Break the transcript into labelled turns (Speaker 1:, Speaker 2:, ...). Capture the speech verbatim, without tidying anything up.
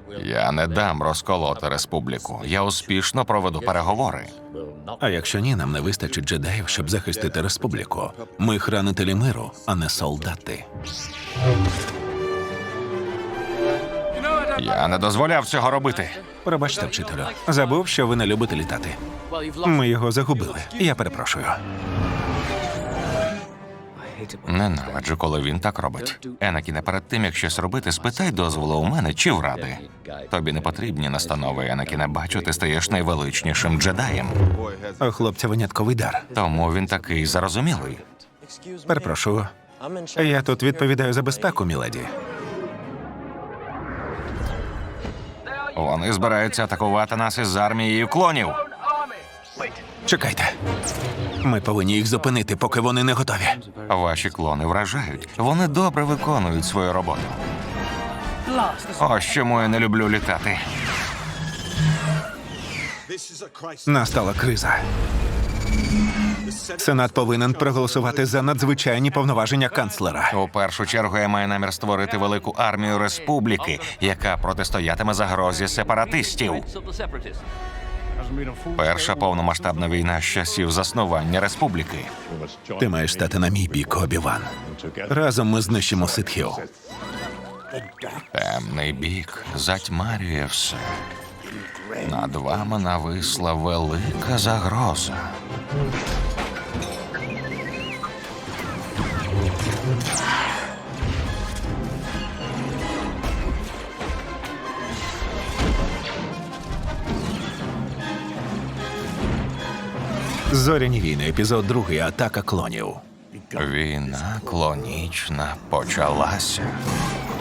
Speaker 1: Я не дам розколоти республіку. Я успішно проведу переговори.
Speaker 2: А якщо ні, нам не вистачить джедаїв, щоб захистити республіку. Ми хранителі миру, а не солдати.
Speaker 1: Я не дозволяв цього робити.
Speaker 2: Пробачте, вчителю. Забув, що ви не любите літати. Ми його загубили. Я перепрошую.
Speaker 1: Ненавиджу, коли він так робить. Енакіне, перед тим, як щось робити, спитай дозволу у мене чи в ради. Тобі не потрібні настанови, Енакіне. Бачу, ти стаєш найвеличнішим джедаєм.
Speaker 2: У хлопця винятковий дар.
Speaker 1: Тому він такий зарозумілий.
Speaker 2: Перепрошую. Я тут відповідаю за безпеку, міледі.
Speaker 1: Вони збираються атакувати нас із армією клонів.
Speaker 2: Чекайте. Ми повинні їх зупинити, поки вони не готові.
Speaker 1: Ваші клони вражають. Вони добре виконують свою роботу. Ось чому я не люблю літати.
Speaker 2: Настала криза. Сенат повинен проголосувати за надзвичайні повноваження канцлера.
Speaker 1: У першу чергу я маю намір створити велику армію республіки, яка протистоятиме загрозі сепаратистів. Перша повномасштабна війна з часів заснування республіки.
Speaker 2: Ти маєш стати на мій бік, Обі-Ван. Разом ми знищимо ситхів.
Speaker 1: Темний бік затьмарює все. Над вами нависла велика загроза.
Speaker 2: Зоряні війни, епізод другий. Атака клонів.
Speaker 1: Війна клонічна почалася.